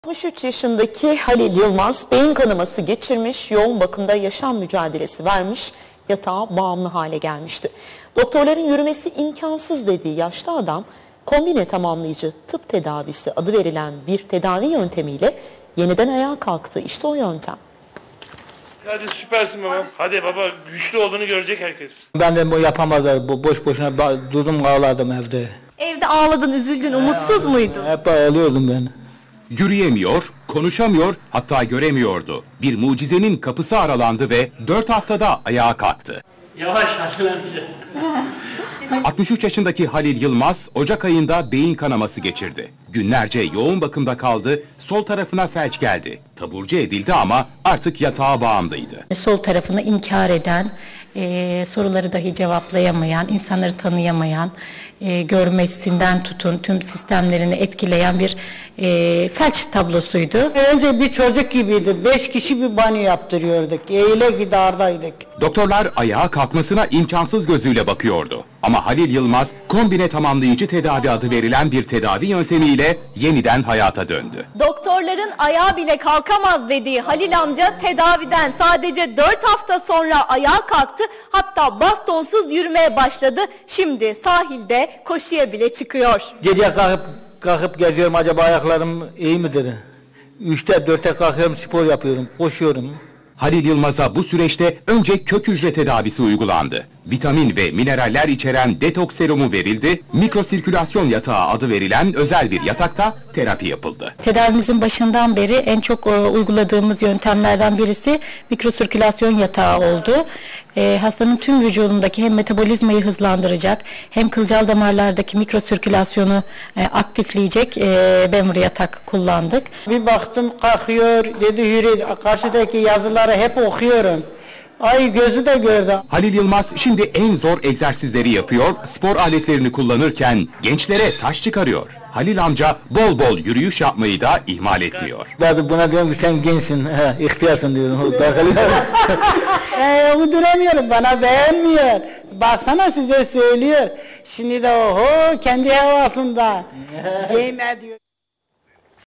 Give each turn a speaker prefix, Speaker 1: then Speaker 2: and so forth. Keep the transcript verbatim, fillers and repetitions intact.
Speaker 1: altmış üç yaşındaki Halil Yılmaz beyin kanaması geçirmiş, yoğun bakımda yaşam mücadelesi vermiş, yatağa bağımlı hale gelmişti. Doktorların yürümesi imkansız dediği yaşlı adam, kombine tamamlayıcı tıp tedavisi adı verilen bir tedavi yöntemiyle yeniden ayağa kalktı. İşte o yöntem.
Speaker 2: Hadi süpersin babam. Hadi baba, güçlü olduğunu görecek herkes.
Speaker 3: Ben de bu yapamazlar. Bu boş boşuna durdum ağladım evde.
Speaker 4: Evde ağladın, üzüldün, umutsuz muydun?
Speaker 3: Hep ağlıyordum ben.
Speaker 5: Yürüyemiyor, konuşamıyor, hatta göremiyordu. Bir mucizenin kapısı aralandı ve dört haftada ayağa kalktı.
Speaker 2: Yavaş aşılanacak.
Speaker 5: altmış üç yaşındaki Halil Yılmaz, Ocak ayında beyin kanaması geçirdi. Günlerce yoğun bakımda kaldı, sol tarafına felç geldi. Taburcu edildi ama artık yatağa bağımlıydı.
Speaker 6: Sol tarafını inkar eden, e, soruları dahi cevaplayamayan, insanları tanıyamayan, e, görmesinden tutun tüm sistemlerini etkileyen bir e, felç tablosuydu.
Speaker 7: Önce bir çocuk gibiydi. Beş kişi bir banyo yaptırıyorduk. Eyle gidardaydık.
Speaker 5: Doktorlar ayağa kalkmasına imkansız gözüyle bakıyordu. Ama Halil Yılmaz, kombine tamamlayıcı tedavi adı verilen bir tedavi yöntemiyle yeniden hayata döndü.
Speaker 4: Doktorların ayağa bile kalkamaz dediği Halil amca tedaviden sadece dört hafta sonra ayağa kalktı. Hatta bastonsuz yürümeye başladı. Şimdi sahilde koşuya bile çıkıyor.
Speaker 3: Gece kalkıp kalkıp geziyorum, acaba ayaklarım iyi midir? Üçte dörtte kalkıyorum, spor yapıyorum, koşuyorum.
Speaker 5: Halil Yılmaz'a bu süreçte önce kök hücre tedavisi uygulandı. Vitamin ve mineraller içeren detoks serumu verildi, mikrosirkülasyon yatağı adı verilen özel bir yatakta terapi yapıldı.
Speaker 6: Tedavimizin başından beri en çok e, uyguladığımız yöntemlerden birisi mikrosirkülasyon yatağı oldu. E, hastanın tüm vücudundaki hem metabolizmayı hızlandıracak hem kılcal damarlardaki mikrosirkülasyonu e, aktifleyecek e, Bemur yatak kullandık.
Speaker 7: Bir baktım kalkıyor, dedi yürü. Karşıdaki yazıları hep okuyorum. Ay gözü de gördü.
Speaker 5: Halil Yılmaz şimdi en zor egzersizleri yapıyor, spor aletlerini kullanırken gençlere taş çıkarıyor. Halil amca bol bol yürüyüş yapmayı da ihmal etmiyor.
Speaker 3: Ben buna diyorum ki sen gençsin, he, ihtiyarsın diyorum.
Speaker 7: Eee uyduramıyorum, bana beğenmiyor. Baksana size söylüyor. Şimdi de oho kendi havasında. Değme diyor.